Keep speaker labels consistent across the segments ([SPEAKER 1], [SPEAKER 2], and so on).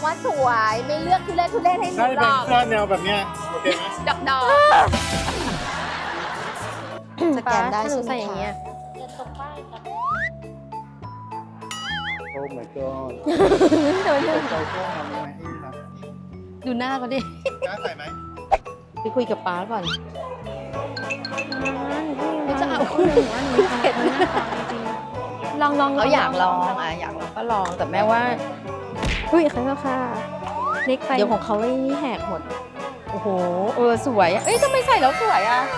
[SPEAKER 1] ว่าสวยไม่เลือกทุเรศให้หนู
[SPEAKER 2] น่าจะ
[SPEAKER 1] หร
[SPEAKER 2] เป็น
[SPEAKER 1] อก
[SPEAKER 2] เสื้อแนวแบบเนี้ยโอเคไหม
[SPEAKER 1] ดอก
[SPEAKER 3] สแกนได้ใช่ไหม
[SPEAKER 4] ใส่อย่างเงี้ย
[SPEAKER 2] โอ้ my god
[SPEAKER 4] เดี๋ยว
[SPEAKER 2] ใจเสื้อทำยังไงให้ครับ
[SPEAKER 3] ดูหน้าเขาดิ
[SPEAKER 2] กล้าใส่ไหม
[SPEAKER 3] ไปคุยกับป๊าก่อน
[SPEAKER 4] ไม่จะเอาว่าหนูเผ็ดมากจริงลอง
[SPEAKER 3] เขาอยากลองอยากลองก็ลองแต่แม่ว่า
[SPEAKER 4] อุ้ยขอโทษค่ะเล็กไป
[SPEAKER 3] เดี๋ยวของเขาไอ้นี่แหกหมด โอ้โหสวยอะเอ้ยทำไมใส่แล้วสวยอะ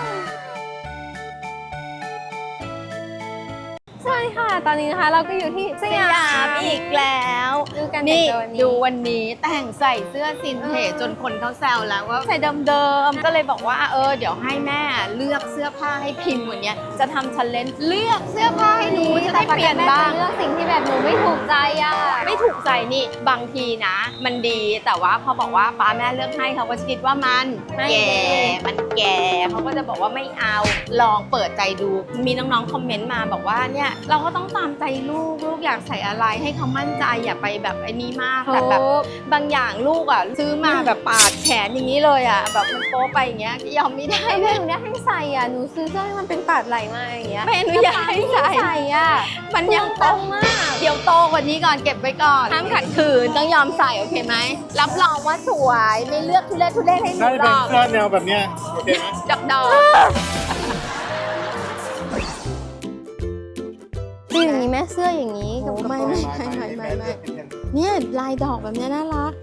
[SPEAKER 4] ใช่ค่ะ ตอนนี้นะคะเราก็อยู่ที่สยาม
[SPEAKER 3] อีกแล้ว
[SPEAKER 4] ดูกัน
[SPEAKER 3] นี่
[SPEAKER 4] แต่งตัว
[SPEAKER 3] ดูวันนี้แต่งใส่เสื้อซินเทจจนคนเขาแซวแล้วว่าใส่เดิมๆก็เลยบอกว่าเดี๋ยวให้แม่เลือกเสื้อผ้าให้พิมพ์วันนี้จะทำชันเลนเลือกเสื้อผ้าให้หนูจะได้เปลี่ยนบ้าง
[SPEAKER 4] เลือกสิ่งที่แบบหนูไม่ถูกใจอ่ะ
[SPEAKER 3] ไม่ถูกใจนี่บางทีนะ มันดีแต่ว่าพอบอกว่าป้าแม่เลือกให้เขาก็จะคิดว่ามันแก่มันแก่เขาก็จะบอกว่าไม่เอาลองเปิดใจดูมีน้องๆคอมเมนต์มาบอกว่าเนี่ยเราก็ต้องตามใจลูกอยากใส่อะไรให้เขามั่นใจอย่าไปแบบไอ้นี้มากแต่แบบบางอย่างลูกอ่ะซื้อมาแบบปาดแขนอย่างนี้เลยอ่ะแบบมันโป๊ไปอย่างเงี้ยยอมไม่ได้
[SPEAKER 4] ไอ้แม่หนูเนี่ยให้ใส่อ่ะหนูซื้อเสื้อให้มันเป็นปาดไหลมาอย่างเงี้ย
[SPEAKER 3] ไม่อนุญาตให้ใส่
[SPEAKER 4] อ่ะ
[SPEAKER 3] มันยัง
[SPEAKER 4] ตรงมาก
[SPEAKER 3] เดี๋ยวโตกว่านี้ก่อนเก็บไว้ก่อนห้ามขัดขืนต้องยอมใส่โอเคไหม
[SPEAKER 1] รับรองว่าสวยไม่เลือกทุเรศให้หนู
[SPEAKER 2] น่าจะ
[SPEAKER 1] หร
[SPEAKER 2] เป็น
[SPEAKER 1] อก
[SPEAKER 2] เสื้อแนวแบบเนี้ยโอเคไหม
[SPEAKER 3] ดอก
[SPEAKER 4] คืออย่างนี้แม่เสื้ออย่างนี้กับกระโปรง
[SPEAKER 3] ไม่เนี่ยลายดอกแบบเนี้ยน่ารัก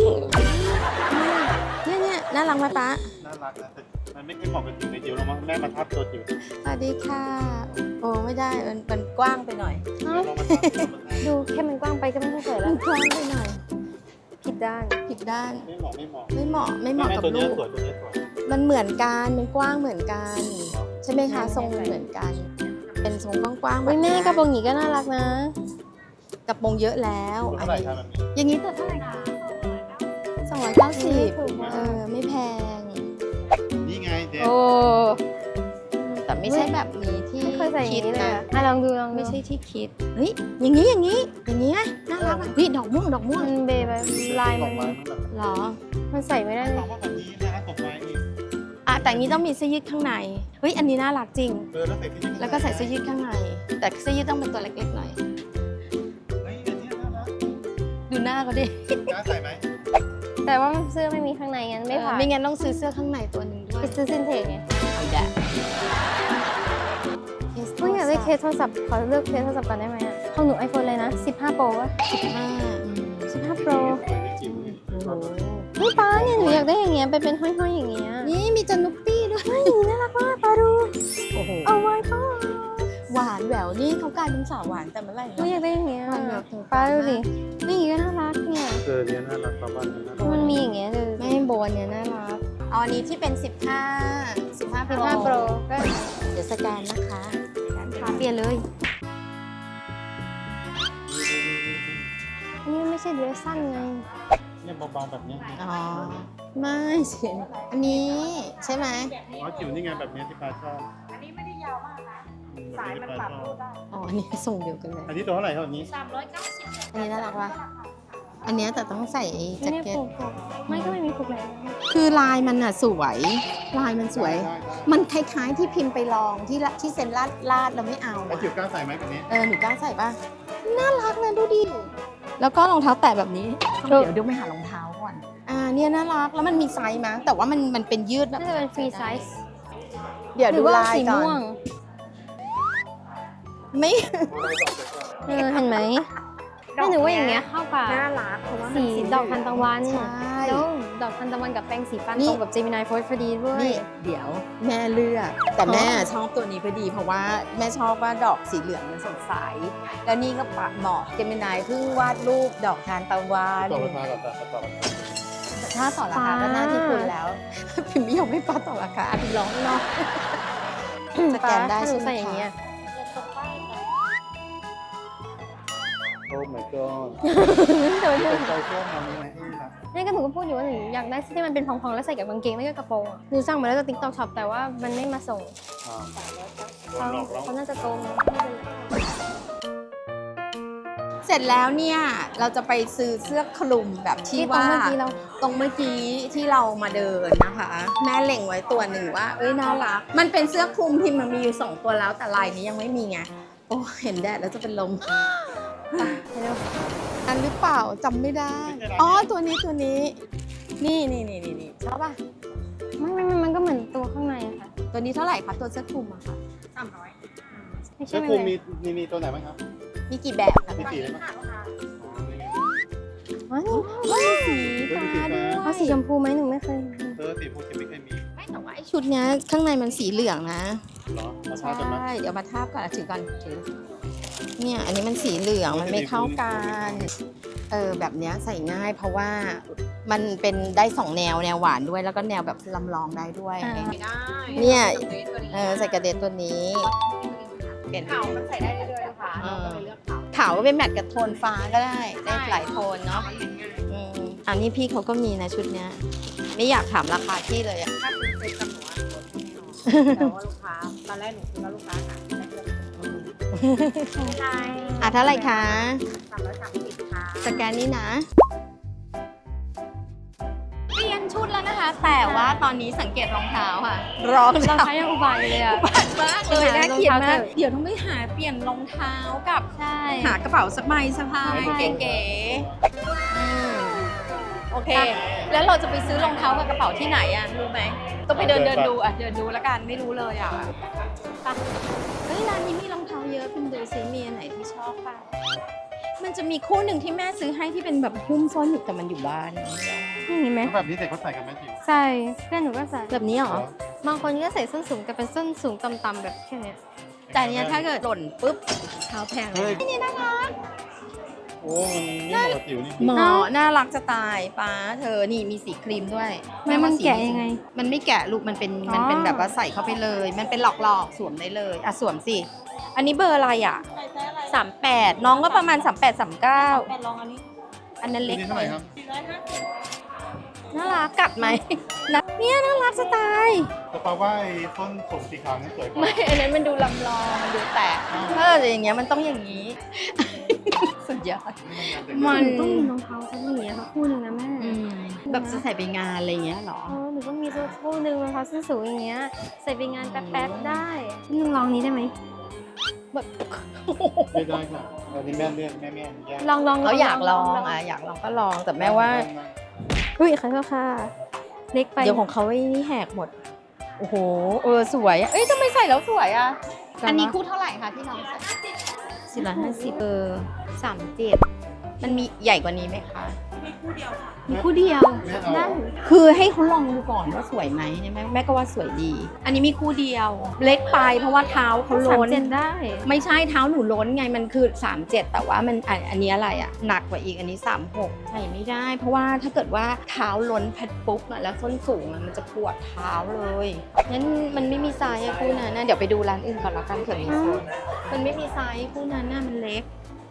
[SPEAKER 3] เนี่ยน่ารักไหมป๊า
[SPEAKER 2] น่ารักนะแต่มันไม่ค่อยเหมาะกับจิ๋วในจิ๋วหรอกมั้งแม่มาทับตัวจิ๋ว
[SPEAKER 3] สวัสดีค่ะโอ้ไม่ได้มันกว้างไปหน่อย
[SPEAKER 2] ลองมาทับตัวมันได้
[SPEAKER 4] ดูแค่มันกว้างไปก็ไม่ต้องใส่แล้
[SPEAKER 3] มั
[SPEAKER 4] วน
[SPEAKER 3] กว้างไปหน่อย
[SPEAKER 4] ผิดด้าน
[SPEAKER 3] ผิดด้าน
[SPEAKER 2] ไม่เหมาะไม่เหมาะ
[SPEAKER 3] ไม่เหมาะกับ
[SPEAKER 2] ตัว
[SPEAKER 3] ลู
[SPEAKER 2] เนี้ย
[SPEAKER 3] ก
[SPEAKER 2] สวยตัวเนี้ยสวย
[SPEAKER 3] มันเหมือนกันมันกว้างเหมือนกัน ใช่ไหมคะทรงมันเหมือนกัน เป็นทรงกว้างๆแบ
[SPEAKER 4] เฮ้
[SPEAKER 3] บ
[SPEAKER 4] ยแม่กระโปรงหนีก็น่ารักนะ
[SPEAKER 3] กระโปรงเยอะแล้ว
[SPEAKER 2] ตัวเท่าไหร่ครับแบบนี้
[SPEAKER 3] อย่างนี้ตัวเท่าไหร่คะ290ไม่แพง
[SPEAKER 2] นี่ไงเจ๊
[SPEAKER 4] โอ้
[SPEAKER 3] แต่ไม่ใช่แบบนี้ที่
[SPEAKER 4] ไม่เคยใส่อย่าง
[SPEAKER 3] คิด
[SPEAKER 4] นี้เลย
[SPEAKER 3] นะ
[SPEAKER 4] อ่ะลองดู
[SPEAKER 3] ไม่ใช่ที่คิดเฮ้ยอย่างนี้ไงน่ารักอ่ะนี่ดอกม่วง
[SPEAKER 4] มันเบแบบลาย
[SPEAKER 2] ด
[SPEAKER 4] มั
[SPEAKER 2] อน กไม้มันแบบ
[SPEAKER 3] เหรอ
[SPEAKER 4] มันใส่ไม่ได้เล
[SPEAKER 2] ถาย มว่าแบบนี้นะดอกไม้อีก
[SPEAKER 3] แต่อันนี้ต้องมีเสื้อยืดข้างในเฮ้ยอันนี้น่ารักจริง
[SPEAKER 2] แล้วใส่ที่นี่
[SPEAKER 3] แล้วก็ใส่เสื้อยืดข้างใน แต่เสื้อยืดต้องเป็นตัวเล็กๆหน่อย
[SPEAKER 2] เฮ้ยอันนี้น่ารัก
[SPEAKER 3] ดูหน้าเขาดิ
[SPEAKER 2] กล้าใส่ไหม
[SPEAKER 4] แต่ว่าเสื้อไม่มีข้างในงั้นไม่ผ่าน
[SPEAKER 3] ไม่งั้นต้องซื้อเสื้อข้างในตัวหนึ่งด้วย
[SPEAKER 4] ไปซื้อซินเทจไง
[SPEAKER 3] เอาแดะ
[SPEAKER 4] เฮ้ยอยากได้เคสโทรศัพท์ขอเลือกเคสโทรศัพท์ก่อนได้ไหมอ่ะของหนู iPhone เลยนะ15 Pro วะ15 Pro
[SPEAKER 2] สวยในจิ๋วเลย
[SPEAKER 4] เฮ้ยป้าเนี่ยหนูอยากได้อย่างเงี้ยเป็นห้อยๆอย่างเงี้ย
[SPEAKER 3] นี่มีจันุปปี้ด้วย
[SPEAKER 4] เฮ้ยอย่างนี้น่ารักมากป้าดู
[SPEAKER 3] โอ้โห
[SPEAKER 4] เอาไว้ป้า
[SPEAKER 3] หวานแหววนี่เขากลายเป็นสาวหวานแต่เมื่อไหร่
[SPEAKER 4] หนูอยากได้อย่างเงี้ย
[SPEAKER 3] มันแบบถึง
[SPEAKER 4] ป้าดูดินี่อย่างงี้ก็น่ารักเนี่ย
[SPEAKER 2] เนี่ยน่ารักประมาณนี้นะ
[SPEAKER 4] มันมีอย่างเงี้ยเลย
[SPEAKER 3] แม่โบนเนี่ยน่ารักเอาอันนี้ที่เป็น15 Pro
[SPEAKER 4] 15 Pro ก็
[SPEAKER 3] เดี๋ยวสแกนนะคะ
[SPEAKER 4] ขาเปลี่ยนเลย อันนี้มันไม่ใช่เดรสสั้นไง
[SPEAKER 2] เนี่ยเบาๆแบบนี้
[SPEAKER 3] อ๋อ ไม่สิอันนี้ใช่ไหม
[SPEAKER 2] อ๋อจิ๋วนี่ไงแบบนี้ที่ปลาชอบอันนี้ไม่ได้ยาวมากนะสายมันปรับรูปได้
[SPEAKER 3] อ๋อ อันนี้ส่งเดียวกันเลย
[SPEAKER 2] อันนี้ตัวเท่าไหร่ครับอันนี้
[SPEAKER 3] อันนี้น่ารักปะอันเนี้ยแต่ต้องใส่
[SPEAKER 4] ไม่
[SPEAKER 3] แจ็ค
[SPEAKER 4] ได้
[SPEAKER 3] เก็ต
[SPEAKER 4] ผูกไม่ก็ไม่มีผูกเลย
[SPEAKER 3] คือลายมันอ่ะสวย ลายมันสวย
[SPEAKER 2] ได้
[SPEAKER 3] มันคล้ายๆที่พิมพ์ไปลองที่เซ็นลาดเราไม่เอา
[SPEAKER 2] แล้ว
[SPEAKER 3] อะ
[SPEAKER 2] จิ๋วกล้าใส่ไหมแบบนี้
[SPEAKER 3] หนูกล้าใส่ป่ะ น่ารักนะดูดิ แล้วก็รองเท้าแตะแบบนี้ เดี๋ยวไปหารองเท้าก่อน เนี่ยน่ารัก แล้วมันมีไซส์มั้ยแต่ว่ามันเป็นยืดแบบ
[SPEAKER 4] น่าจะเป็นฟรีไซส์
[SPEAKER 3] เดี๋ยว
[SPEAKER 4] หรื
[SPEAKER 3] ดู
[SPEAKER 4] อว่า
[SPEAKER 3] ลาย
[SPEAKER 4] สี
[SPEAKER 3] ก่อ
[SPEAKER 4] ม่วน ง
[SPEAKER 3] ไม่
[SPEAKER 4] เห็นไหมไม่หนูว่าอย่างเงี้ยเข้ากับ
[SPEAKER 3] น่ารักเพราะว่า
[SPEAKER 4] สีดอกทานตะวัน
[SPEAKER 3] ใช่
[SPEAKER 4] แล้วดอกทานตะวันกับแปรงสีฟัน
[SPEAKER 3] นี่
[SPEAKER 4] ตรงกับ Gemini Voice พอดีด้วย
[SPEAKER 3] นี่เดี๋ยวแม่เลือก แต่แม่ชอบตัวนี้พอดี เพราะว่าแม่ชอบว่าดอกสีเหลืองมันสดใส แล้วนี่ก็ปะเหมาะเจมินายเพิ่งวาดรูปดอกทานตะวัน
[SPEAKER 2] ต่อราคาก่อนต่อราคา
[SPEAKER 3] ถ้าต่อราคาก็หน้าที่คุณแล้ว พิมพ์ไม่ยอมให้ป้าต่อราคาพิมพ์ร้องเนาะ สแกนได้
[SPEAKER 4] ถ้าหนู
[SPEAKER 3] ใช่ไหม
[SPEAKER 4] ใส่อย่างเงี้ย
[SPEAKER 3] คะ
[SPEAKER 2] โอ้ my god
[SPEAKER 4] เดี๋ยว
[SPEAKER 2] เป็นใจเสื้อทำยังไงให้ครับ
[SPEAKER 4] นี่ก็หนูก็พูดอยู่ว่าหนูอยากได้ที่มันเป็นพองๆแล้วใส่กับกางเกงไม่ก็กระโปรงอะหนูสั่งมาแล้วจาก TikTok Shop แต่ว่ามันไม่มาส่ง
[SPEAKER 2] โดนหลอกแล้ว
[SPEAKER 4] เขาน่าจะโกงไม่เป็นไร
[SPEAKER 3] เสร็จแล้วเนี่ยเราจะไปซื้อเสื้อคลุมแบบที่
[SPEAKER 4] ที่ตรง
[SPEAKER 3] ว่า
[SPEAKER 4] เมื่อกี้เรา
[SPEAKER 3] ตรงเมื่อกี้ที่เรามาเดินนะคะ แม่เล็งไว้ตัวหนึ่งว่าเอ้ยน่ารักมันเป็นเสื้อคลุมพิมพ์มันมีอยู่2ตัวแล้วแต่ลายนี้ยังไม่มีไงโอ้เห็นแดดแล้วจะเป็นลม
[SPEAKER 4] ไปเร็ว
[SPEAKER 3] อันหรือเปล่าจำไม่ได้อ๋อตัวนี้นี่ชอบป่ะ
[SPEAKER 4] ไม่มันก็เหมือนตัวข้างในอะค่ะ
[SPEAKER 3] ตัวนี้เท่าไหร่คะตัวเสื้อคลุมอะค่ะ
[SPEAKER 4] ไม่
[SPEAKER 2] เสื้
[SPEAKER 4] ใช่
[SPEAKER 2] อ
[SPEAKER 4] ไม่
[SPEAKER 2] คลุม
[SPEAKER 4] เลย
[SPEAKER 2] มีตัวไหนบ้างครับ
[SPEAKER 3] มีกี่แบบคะ
[SPEAKER 2] มีสีอะไรบ้าง
[SPEAKER 4] อ๋อนี่
[SPEAKER 3] ว้าวสี
[SPEAKER 2] ฟ้าด้วย
[SPEAKER 4] เอาสีชมพูไหมหนูไม่เคย
[SPEAKER 2] สีฟูจะไม่เคยมี
[SPEAKER 3] ไม่แต่ว่าไอชุดเนี้ยข้างในมันสีเหลืองนะ
[SPEAKER 2] เหรอมา
[SPEAKER 3] ใช
[SPEAKER 2] ทากันไหม่
[SPEAKER 3] เดี๋ยวมาทาบก่อนถือก่อนถือเนี่ยอันนี้มันสีเหลืองมันไม่เข้ากันแบบเนี้ยใส่ง่ายเพราะว่ามันเป็นได้2แนวหวานด้วยแล้วก็แนวแบบลำลองได้ด้วย
[SPEAKER 1] ไม่ได้
[SPEAKER 3] เนี่ยใส่กระเด็นตัวนี้เห็น
[SPEAKER 1] ขาวมันใส่ได้เรื่อยๆนะคะเราก็เลยเลือกขาว
[SPEAKER 3] ขาวก็เป็นแมทกับโทนฟ้าก็ได้หลายโทนเนาะอันนี้พี่เขาก็มีนะชุดเนี้ยไม่อยากถามราคาที่เลยอะ
[SPEAKER 1] ถ้าคุณเซ็ตกับหนูอะแต่ว่าลูกค้าตอนแรกหนูคิดว่าลูกค้าค่ะได้เลือกใช่
[SPEAKER 3] เท่าไหร่คะ
[SPEAKER 1] 330ค่ะ
[SPEAKER 3] สแกนนี้นะเปลี่ยนชุดแล้วนะคะ แต่ว่าตอนนี้สังเกตรองเท้าค่ะรอง
[SPEAKER 4] รอง
[SPEAKER 3] เท้า
[SPEAKER 4] เท้ายังอุบายอยู่เลยอะ
[SPEAKER 3] บาดมากเลยน่าเกลียดมาก
[SPEAKER 4] รองเท้าเถอะ
[SPEAKER 3] เดี๋ยวต้องไปหาเปลี่ยนรองเท้ากับ
[SPEAKER 4] ใช่
[SPEAKER 3] หากระเป๋าสักใบสะพายเก๋ๆโอเค แล้วเราจะไปซื้อรองเท้ากับกระเป๋าที่ไหนอะรู้ไหมต้องไปเดินดูอะเดินดูแล้วกันไม่รู้เลยอะไปเฮ้ยร้านนี้มีรองเท้าเยอะคุณดูซิมีอันไหนที่ชอบป่ะมันจะมีคู่หนึ่งที่แม่ซื้อให้ที่เป็นแบบหุ้มส้นอยู่แต่มันอยู่บ้าน
[SPEAKER 4] นี่ไหม
[SPEAKER 2] แล้วแบบนี้เด็กเขาใส่กันไหมจิ๋ว
[SPEAKER 4] ใส่เพื่อนหนูก็ใส่
[SPEAKER 3] แบบนี้เหรอ
[SPEAKER 4] บางคนก็ใส่ส้นสูงแต่เป็นส้นสูงต่ำๆแบบแค่เนี้ย
[SPEAKER 3] แต่อันเนี้ยถ้าเกิดหล่นปุ๊บเท้าแพงเล
[SPEAKER 2] เฮ้ย
[SPEAKER 3] ยนี่น่ารัก
[SPEAKER 2] โอ้มันไม่เหมาะกับจิ๋วนี่
[SPEAKER 3] หมอน่ารักจะตายป้าเธอนี่มีสีครีมด้วย
[SPEAKER 4] มัน
[SPEAKER 3] สี
[SPEAKER 4] แกะยังไง
[SPEAKER 3] มันไม่แกะลูกมันเป็น
[SPEAKER 4] อ๋อ
[SPEAKER 3] มันเป็นแบบว่าใส่เข้าไปเลย มันเป็นหลอกๆสวมได้เลยอ่ะสวมสิอันนี้เบอร์อะไรอ่ะ38น้องก็ประมาณ38 39
[SPEAKER 1] ลองอันนี้
[SPEAKER 3] อันนั้นเล็ก
[SPEAKER 2] นี่เท่าไหร่ครับ
[SPEAKER 3] น่ารักกัดไหมนะเนี่ยน่ารักจะตาย
[SPEAKER 2] แต่ปาว่าไอ้ต้นผมสีขาวนี่สวยกว่า
[SPEAKER 3] ไม่อันนั้นมันดูลำลองมันดูแตกแต่อย่างเงี้ยมันต้องอย่างนี้ สุดยอด มัน
[SPEAKER 4] หนูต้องมีรองเท้าสักหนึ่งอะค่ะคู่หนึ่งนะแม่
[SPEAKER 3] แบบจะใส่ไปงานอะไรอย่างเงี้ยเหรอ
[SPEAKER 4] หนูต้องมีสักคู่หนึ่งรองเท้าส้นสูงอย่างเงี้ยใส่ไปงานแป๊บๆได้หนึ่งลองนี้ได้ไหม
[SPEAKER 2] ไม่ได้ค่ะอันนี้แม่เลือกแม่แยก
[SPEAKER 4] ลอง
[SPEAKER 3] เขาอยากลองอยากลองก็ลองแต่แม่ว่า
[SPEAKER 4] อุ้ยขอโทษค่ะเล็กไป
[SPEAKER 3] เดี๋ยวของเขาไอ้นี่แหกหมด โอ้โหสวยอ่ะเอ้ยทำไมใส่แล้วสวยอ่ะ อันนี้คู่เท่าไหร่คะที่น้องใส่450 37มันมีใหญ่กว่านี้ไหมคะ มีคู่เดียว
[SPEAKER 2] แม่เอา
[SPEAKER 3] ได้คือให้เขาลองดูก่อนว่าสวยไหมเนี่ยแม่ก็ว่าสวยดี อันนี้มีคู่เดียว เล็กไปเพราะว่าเท้าเขา
[SPEAKER 4] สาม
[SPEAKER 3] ล้น
[SPEAKER 4] เจนได้
[SPEAKER 3] ไม่ใช่เท้าหนูล้นไงมันคือ37แต่ว่ามันอันนี้อะไรอ่ะหนักกว่าอีกอันนี้36ใส่ไม่ได้ เพราะว่าถ้าเกิดว่าเท้าล้นแพดปุ๊บอะแล้วส้นสูงอะมันจะปวดเท้าเลยงั้นมันไม่มีไซส์อะคู่นั้นนะเดี๋ยวไปดูร้านอื่นก่อนละกันเผื่อมีไซส์มันไม่มีไซส์คู่นั้นน่ะมันเล็ก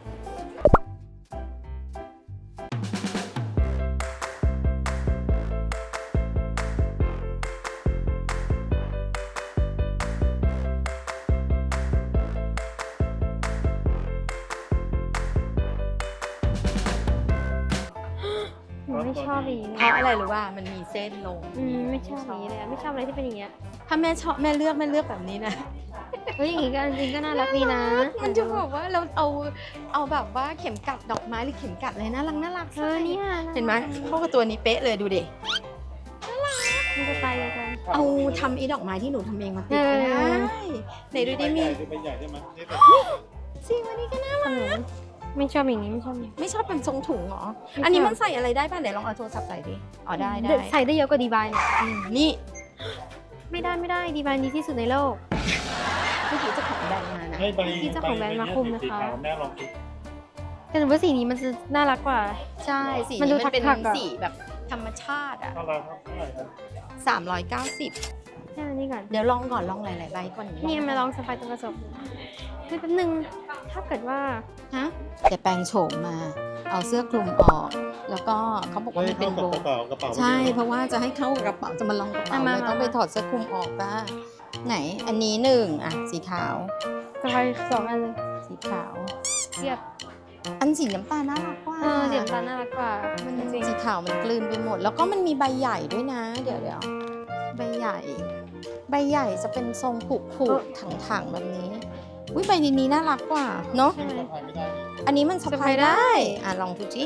[SPEAKER 4] หนูไม่ชอบอย่างนี้
[SPEAKER 3] เพราะอะไรรู้ว่ามันมีเส้นลง
[SPEAKER 4] ไม่ชอบอย่างนี้เลยอะไม่ชอบอะไรที่เป็นอย่างเงี้ย
[SPEAKER 3] ถ้าแม่ชอบแม่เลือกแบบนี้นะ
[SPEAKER 4] เฮ้ยอย่างงี้ก็จริงๆก็น่ารักดีนะ
[SPEAKER 3] มันจะบอกว่าเราเอาแบบว่าเข็มกัดดอกไม้หรือเข็มกัดอะไรน่ารัก
[SPEAKER 4] เนี่ย
[SPEAKER 3] เห็นไหมเข้ากับตัวนี้เป๊ะเลยดูดิ
[SPEAKER 4] มันจะไปกัน
[SPEAKER 3] เอาทำไอ้ดอกไม้ที่หนูทำเองมาติด
[SPEAKER 4] เออ
[SPEAKER 3] ได้ไหนดูดิมี
[SPEAKER 2] เป็นใหญ่ได้ไหมนี่แบบ
[SPEAKER 3] สิวันนี้ก็น่า
[SPEAKER 4] ขนมไม่ชอบอย่างนี้ไม่ชอบอย่างนี้
[SPEAKER 3] ไม่ชอบเป็นทรงถุงเหรอ
[SPEAKER 4] ไม่ชอบ
[SPEAKER 3] อันนี้มันใส่อะไรได้ป่ะไหนลองเอาโทรศัพท์ใส่ดิอ๋อได้
[SPEAKER 4] ใส่ได้เยอะกว่าดีบายเนี่ย
[SPEAKER 3] นี่
[SPEAKER 4] ไม่ได้ดีบายดีที่สุดในโลก
[SPEAKER 3] เมื่อกี้เจ้าของแบรนด์มานะ
[SPEAKER 2] ให้ใบ
[SPEAKER 4] ที่เจ้าของแบรนด์มาคุมนะคะ
[SPEAKER 2] สีขาวแม่ลองคิด
[SPEAKER 4] แต่หนูว่าสีนี้มันจะน่ารักกว่า
[SPEAKER 3] ใช่สี
[SPEAKER 4] มันดู
[SPEAKER 3] นี้มันเป็น
[SPEAKER 4] ถักๆอะ
[SPEAKER 3] สีแบบธรรมชาติอ่ะ
[SPEAKER 2] เท่าไหร่ครับเท่าไหร่ครับ
[SPEAKER 3] 390
[SPEAKER 4] แค่นี้ก่อน
[SPEAKER 3] เดี๋ยวลองก่อนลองหลายๆใบก่อน
[SPEAKER 4] นี่มาลองสไปตรงกระจกเฮ้ยแป๊บนึงถ้าเกิดว่า
[SPEAKER 3] ฮะจะแปลงโฉมมา เอาเสื้อคลุมออก แล้วก็เขาบอกว่ามันเป็นโบ
[SPEAKER 2] กระเป๋า
[SPEAKER 3] ใช่ เพราะว่าจะให้เข้ากับกระเป๋าจะมาลองกระเป๋าเลยต้องไปถอดเสื้อคลุมออกป่ะไหนอันนี้1อ่ะสีขาว
[SPEAKER 4] สไป2 อันเลย
[SPEAKER 3] สีขาว
[SPEAKER 4] เทียบ
[SPEAKER 3] อันสีน้ำตาลน่ารักกว่า
[SPEAKER 4] เสียงตาน่ารักกว่า
[SPEAKER 3] มันสีขาวมันกลืนไปหมด แล้วก็มันมีใบใหญ่ด้วยนะ เดี๋ยวใบใหญ่ ใบใหญ่จะเป็นทรงผูกๆถังๆแบบนี้อุ้ยใบนี้น่ารักกว่าเนาะ
[SPEAKER 4] ใช่ไหม
[SPEAKER 2] สะพายไม่ได้นี่
[SPEAKER 3] อันนี้มันสะพายได้ ลองดูจิ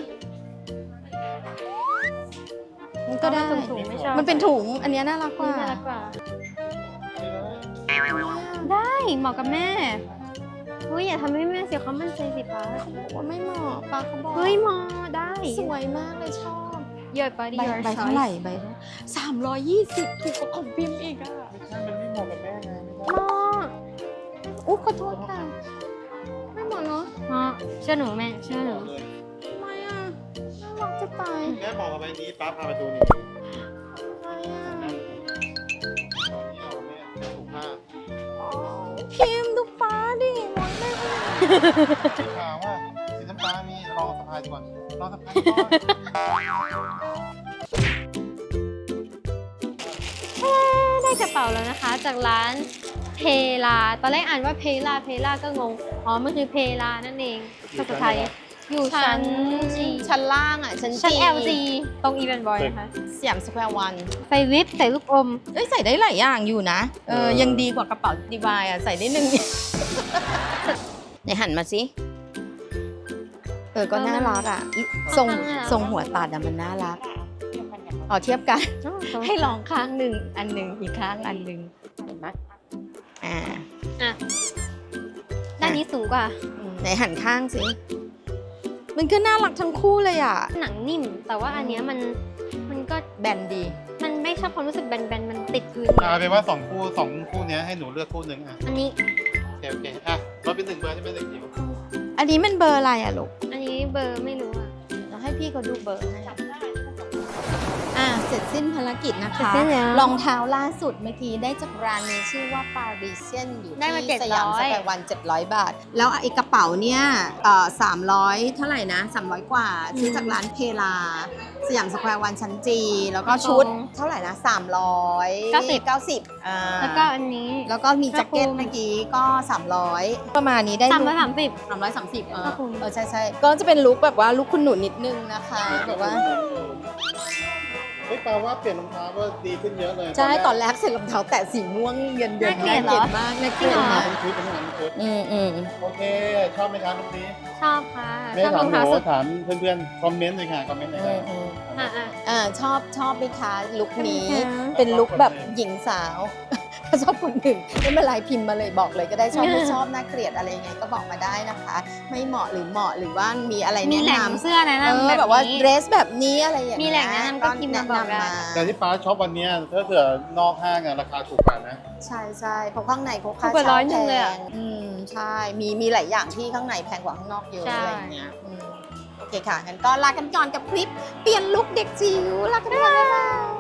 [SPEAKER 3] มันก็ได้
[SPEAKER 4] ถุงๆไม่ชอบ
[SPEAKER 3] มันเป็นถุง อันเนี้ยน่ารักก
[SPEAKER 4] นี่
[SPEAKER 3] ว่า
[SPEAKER 4] น่ารักกว่า
[SPEAKER 2] ไม่ได้
[SPEAKER 4] ได้เหมาะกับแม่เฮ้ยอย่าทำให้แม่เสียความมั่นใจสิป้า
[SPEAKER 3] ว่าไม่เหมาะปาเขาบอก
[SPEAKER 4] เฮ้ยเหมาะได้
[SPEAKER 3] สวยมากเลยชอบ
[SPEAKER 4] เยอะไปดิ
[SPEAKER 3] ใบเท่าไหร่ใบ320ถูกกว่าของพิมพ์อีกอ่ะ
[SPEAKER 2] ไม่ใช่มันไม่เหมาะกับแม่ไงไม่
[SPEAKER 4] เห
[SPEAKER 2] ได้
[SPEAKER 4] มาะ
[SPEAKER 3] อุ๊ยขอโทษค่ะ ไม่เหมาะเนาะ
[SPEAKER 4] เหมาะเชื่อหนูแม่เชื่อหนู
[SPEAKER 2] เลย
[SPEAKER 3] ทำไมอ่ะน่ารักจะตาย
[SPEAKER 2] แม่บอกกับใบนี้ป้าพาไปดูนี่
[SPEAKER 3] ทำไมอ่ะ
[SPEAKER 2] ตอนนี้เอาแม่ถูกผ้า
[SPEAKER 3] พิมพ์ดูฟ้าดิมองได้ไหม
[SPEAKER 2] สีขาวอ่ะสีน้ำตาลมีลองสะพายดีกว่าลองสะพายก่อน
[SPEAKER 4] ได้กระเป๋าแล้วนะคะ จากร้านเพลาตอนแรกอ่านว่าเพลาก็งงอ๋อมันคือเพลานั่นเองภาษาไทยอยู่ชั้น
[SPEAKER 3] ชั้นล่างอ่ะ ชั้น
[SPEAKER 4] ชั้น
[SPEAKER 3] G
[SPEAKER 4] LG ตรงอีเวนต์บอยนะคะ
[SPEAKER 3] สยามสแควร์วัน
[SPEAKER 4] ใส่วิปใส่ลูกอม
[SPEAKER 3] เอ้ยใส่ได้หลายอย่างอยู่นะ ยังดีกว่ากระเป๋าดีวายอ่ะ ใส่ได้หนึ่ง ไหนหันมาสิก็น่ารักอ่ะ ทรง
[SPEAKER 4] น่ารัก
[SPEAKER 3] ทรงหัวตัดอ่ะมันน่ารักอ๋อเทียบกัน ให้ลองข้างหนึ่งอันหนึ่งอีกข้างอันหนึ่งเห็นไหมอ่า
[SPEAKER 4] อ่ะด้านนี้สูงกว่า
[SPEAKER 3] ไหนหันข้างสิ มันก็น่ารักทั้งคู่เลยอ่ะ
[SPEAKER 4] หนังนิ่ม แต่ว่าอันเนี้ยมันก็
[SPEAKER 3] แบนดี
[SPEAKER 4] มันไม่ชอบความรู้สึกแบนๆมันติดพื้น
[SPEAKER 2] เอาเป็นว่าสองคู่เนี้ยให้หนูเลือกคู่หนึ่งอ่ะ
[SPEAKER 4] อันนี้
[SPEAKER 2] โอเคอ่ะเราเป็น1 เบอร์ใช่ไหมเด็กจิ๋ว
[SPEAKER 3] อันนี้มันเบอร์อะไรอ่ะลูก
[SPEAKER 4] อันนี้เบอร์ไม่รู้อ่ะ
[SPEAKER 3] เราให้พี่เขาดูเบอร์ให้เสร็จสิ้นภารกิจนะคะ
[SPEAKER 4] เสร็จสิ้นแล้ว
[SPEAKER 3] รองเท้าล่าสุดเมื่อกี้ได้จากร้านนี้ชื่อว่า Parisian อยู่
[SPEAKER 4] ได้มา
[SPEAKER 3] ที่
[SPEAKER 4] 700
[SPEAKER 3] สยามสแควร์วัน700 บาท แล้วไอ้กระเป๋าเนี่ย300 เท่าไหร่นะ 300 กว่า ซื้อจากร้านเพลา สยามสแควร์วันชั้นจีแล้วก็ชุดเท่าไหร่นะ 390
[SPEAKER 4] แล้วก็อันนี้
[SPEAKER 3] แล้วก็มีแจ็คเก็ตเมื่อกี้ก็ 300 ประมาณนี้ได้
[SPEAKER 4] 330
[SPEAKER 3] 330
[SPEAKER 4] ก็คุ้ม
[SPEAKER 3] ใช่ก็จะเป็นลุคแบบว่าลุคคุณหนูนิดนึงนะคะแบบว่า
[SPEAKER 2] เฮ้ยแปลว่าเปลี่ยนรองเท้าก็ดีขึ้นเยอะเลย
[SPEAKER 3] ใช่ ตอนแรกใส่รองเท้าแตะสีม่วงเย็นๆ
[SPEAKER 4] น่าเกลียดเหรอ
[SPEAKER 3] มากน่าเกลียด
[SPEAKER 4] จริงเหร
[SPEAKER 3] มา
[SPEAKER 4] อ
[SPEAKER 3] ก
[SPEAKER 2] ชุดเป็นชุด โอเค ชอบไหมครับลูกนี้
[SPEAKER 4] ชอบค่ะ
[SPEAKER 2] ไม่
[SPEAKER 4] ชอบ
[SPEAKER 2] ถาร ม
[SPEAKER 4] อง
[SPEAKER 2] หนู
[SPEAKER 4] เท้าสุด
[SPEAKER 2] ถามเพื่อนๆ คอมเมนต์เลยค่ะ คอมเมนต์เลยค่ะ
[SPEAKER 3] ชอบไหมคะลุคนี้
[SPEAKER 4] ชอบค่ะ
[SPEAKER 3] เป็นลุคแบบหญิงสาว ถ้าชอบคนหนึ่งไม่เป็นไรพิมพ์มาเลยบอกเลยก็ได้ชอบไม่ชอบน่าเกลียดอะไรยังไงก็บอกมาได้นะคะ ไม่เหมาะหรือเหมาะหรือว่ามีอะไร
[SPEAKER 4] มี
[SPEAKER 3] แนะ
[SPEAKER 4] แหล่ง
[SPEAKER 3] นำ
[SPEAKER 4] เสื้อแนะนำ
[SPEAKER 3] แบบว่า
[SPEAKER 4] นี้
[SPEAKER 3] เดรสแบบนี้อะไรอย่างเงี้ย
[SPEAKER 4] มีแหล่งแนะนำก็พิมพ์มาบอกได้
[SPEAKER 2] แต่ที่ป้าชอบวันเนี้ยถ้าเผื่อนอกห้างอะราคาถูกกว่านะ
[SPEAKER 3] ใช่เพราะข้างในเขาค่า
[SPEAKER 4] ถูกกว่า
[SPEAKER 3] เช่า
[SPEAKER 4] 100
[SPEAKER 3] แพ
[SPEAKER 4] เลยอะ
[SPEAKER 3] งใช่มีหลายอย่างที่ข้างในแพงกว่าข้างนอกเยอะ
[SPEAKER 4] ใช่
[SPEAKER 3] อะไรอย่างเงี้ยโอเคค่ะงั้นก็ลากันก่อนกับคลิปเปลี่ยนลุคเด็กจิ๋วลากันก่อนบ๊ายบาย